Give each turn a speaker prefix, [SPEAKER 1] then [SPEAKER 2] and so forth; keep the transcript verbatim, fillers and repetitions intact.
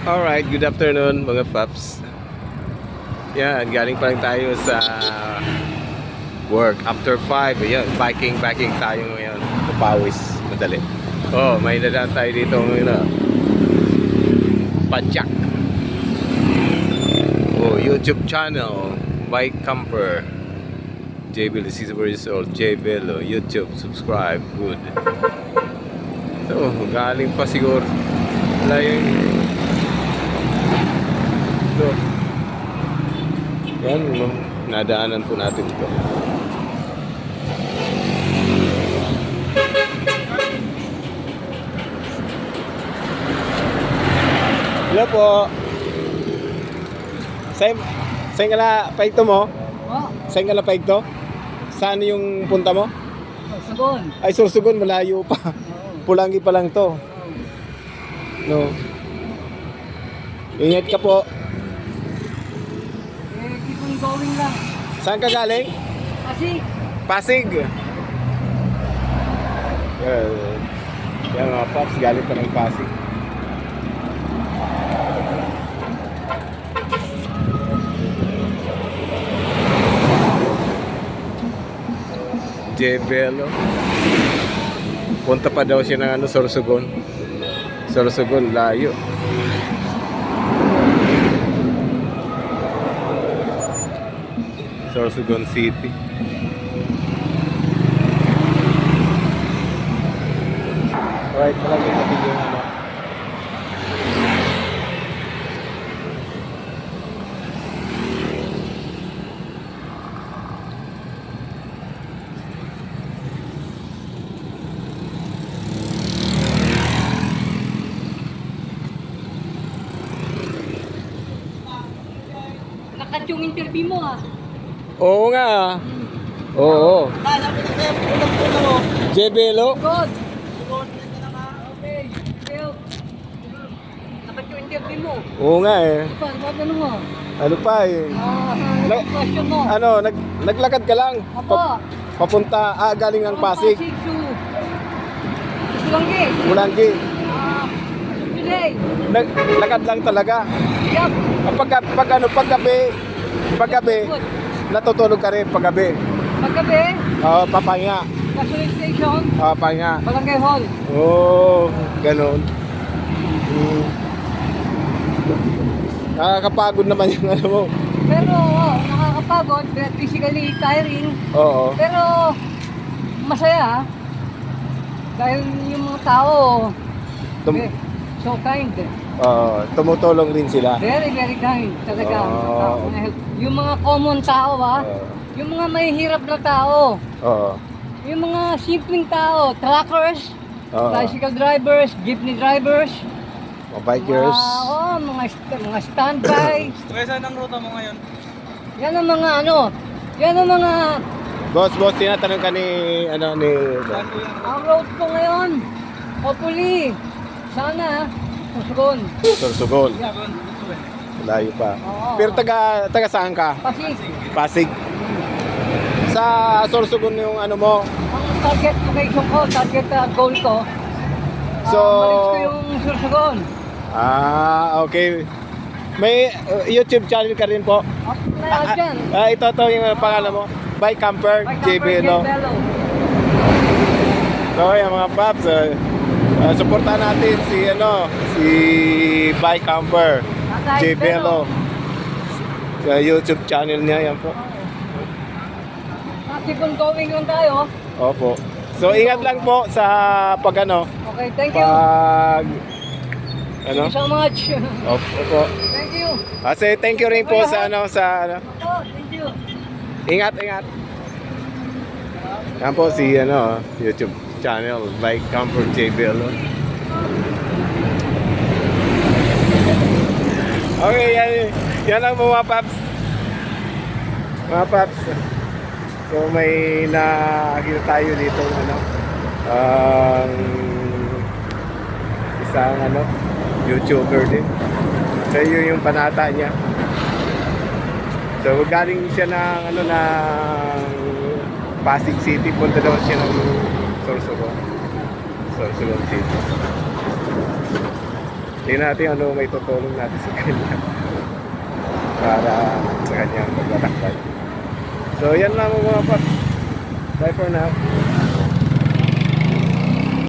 [SPEAKER 1] Alright, good afternoon mga paps. Yan, galing pa lang tayo sa work after five. Ayan, biking, biking tayo ngayon. Papawis, madali. Oh, may dadaan tayo dito ngayon na Padjak. Oh, YouTube channel, Bike Camper. J B L, this is the result. J B L, YouTube, subscribe, good. So, galing pa siguro. Wala yung ito. Yan, nadaanan po natin ito. Hello po. Saan, saan ka na paigto mo?
[SPEAKER 2] Oh,
[SPEAKER 1] Saan ka na paigto? Saan yung punta mo?
[SPEAKER 2] Sugon.
[SPEAKER 1] Ay, Sorsogon, malayo pa. Pulangi pa lang to. No. Ingat ka po.
[SPEAKER 2] Eh, keep on going lang.
[SPEAKER 1] Saan ka galing?
[SPEAKER 2] Kasi,
[SPEAKER 1] Pasig. Yan. Yan mga paps, galing pa ng Pasig. Jebelo. Punta pa daw siya ng ano, Sorsogon. Sorsogon, layo. Sorsogon City. Alright, talaga natin yung ano.
[SPEAKER 2] nakat yung interview mo ah.
[SPEAKER 1] Oo nga. Oo.
[SPEAKER 2] Kala mo na kaya pulang-pula mo.
[SPEAKER 1] Jebelo.
[SPEAKER 2] Good. Okay. Well, nakat yung interview mo.
[SPEAKER 1] Oo nga eh.
[SPEAKER 2] Ano pa? Ano mo?
[SPEAKER 1] Ano pa eh.
[SPEAKER 2] Ah,
[SPEAKER 1] Na-
[SPEAKER 2] question mo.
[SPEAKER 1] Ano, nag naglakad ka lang.
[SPEAKER 2] Apo.
[SPEAKER 1] Pa- papunta, ah, galing ng Pasig.
[SPEAKER 2] Pasig to Sulanggi.
[SPEAKER 1] Mulanggi.
[SPEAKER 2] Ah, today.
[SPEAKER 1] Naglakad lang talaga.
[SPEAKER 2] Yup.
[SPEAKER 1] Pag, pag ano, paggabi, paggabi,
[SPEAKER 2] Good.
[SPEAKER 1] natutulog ka rin paggabi.
[SPEAKER 2] Paggabi,
[SPEAKER 1] Oo, papahinga.
[SPEAKER 2] Gasoline Station,
[SPEAKER 1] Oo, pahinga.
[SPEAKER 2] Barangay Hall.
[SPEAKER 1] Oo, ganun. Hmm. Nakakapagod naman yung ano mo.
[SPEAKER 2] Pero oh, nakakapagod, physically tiring.
[SPEAKER 1] Oo.
[SPEAKER 2] Pero masaya dahil yung mga tao
[SPEAKER 1] Tum-
[SPEAKER 2] eh, so kind.
[SPEAKER 1] Oo, tumutulong rin sila.
[SPEAKER 2] Very, very kind talaga.
[SPEAKER 1] Oo.
[SPEAKER 2] Mga tao na help. Yung mga common tao ah,
[SPEAKER 1] Oo.
[SPEAKER 2] yung mga mahihirap na tao,
[SPEAKER 1] Oo.
[SPEAKER 2] yung mga simpleng tao, truckers,
[SPEAKER 1] Oo.
[SPEAKER 2] bicycle drivers, jeepney drivers,
[SPEAKER 1] Mga bikers.
[SPEAKER 2] mga, oh, mga, st- mga standby.
[SPEAKER 3] Saan ang ruta mo ngayon?
[SPEAKER 2] Yan ang mga ano, yan ang mga,
[SPEAKER 1] Boss, boss, tinatanong ka ni, ano, ni...
[SPEAKER 3] Saan po yan?
[SPEAKER 2] ang road ko ngayon, hopefully, sana, susugon.
[SPEAKER 1] Sorsogon.
[SPEAKER 2] Yeah.
[SPEAKER 3] Sugon. Sugon.
[SPEAKER 1] Layo pa.
[SPEAKER 2] Oo.
[SPEAKER 1] Pero taga, taga saan ka?
[SPEAKER 2] Pasig,
[SPEAKER 1] Pasig. Sa Sorsogon yung ano mo.
[SPEAKER 2] ang target location ko, target uh, goal ko,
[SPEAKER 1] So,
[SPEAKER 2] uh, malis ko yung susugon.
[SPEAKER 1] ah, okay. May uh, YouTube channel ka rin po?
[SPEAKER 2] Up na
[SPEAKER 1] Ah,
[SPEAKER 2] dyan.
[SPEAKER 1] ah, ito to yung uh, pangalan mo. Bike Camper,
[SPEAKER 2] By
[SPEAKER 1] J B, no?
[SPEAKER 2] Bello.
[SPEAKER 1] So, yung mga paps, uh, uh, supportan natin si, ano, si Bike Camper,
[SPEAKER 2] Tatay
[SPEAKER 1] J B,
[SPEAKER 2] Bello.
[SPEAKER 1] no? Sa YouTube channel niya, yan po.
[SPEAKER 2] Keep on going lang tayo.
[SPEAKER 1] Opo. So, ingat lang po sa pag, ano,
[SPEAKER 2] Okay, thank you.
[SPEAKER 1] pag,
[SPEAKER 2] Thank
[SPEAKER 1] ano?
[SPEAKER 2] you so much.
[SPEAKER 1] Opo po.
[SPEAKER 2] Thank you.
[SPEAKER 1] Kasi thank you rin po sa, ano, sa, ano,
[SPEAKER 2] Oh, thank you.
[SPEAKER 1] ingat, ingat. Yan po si, ano, YouTube channel, Bike Camper J B L. Okay, yan, yan lang po mga paps. Mga paps. So may nakakita tayo dito, ano, ang isang, ano, YouTuber din. So yun yung panata niya. So galing siya ng, ano, ng Pasig City, punta daw siya ng Sorsogon. Sorsogon City. Tingnan natin ano may tutulong natin sa kanya. Para sa kanyang paglalakbay. So yan lang mga paps. Bye for now.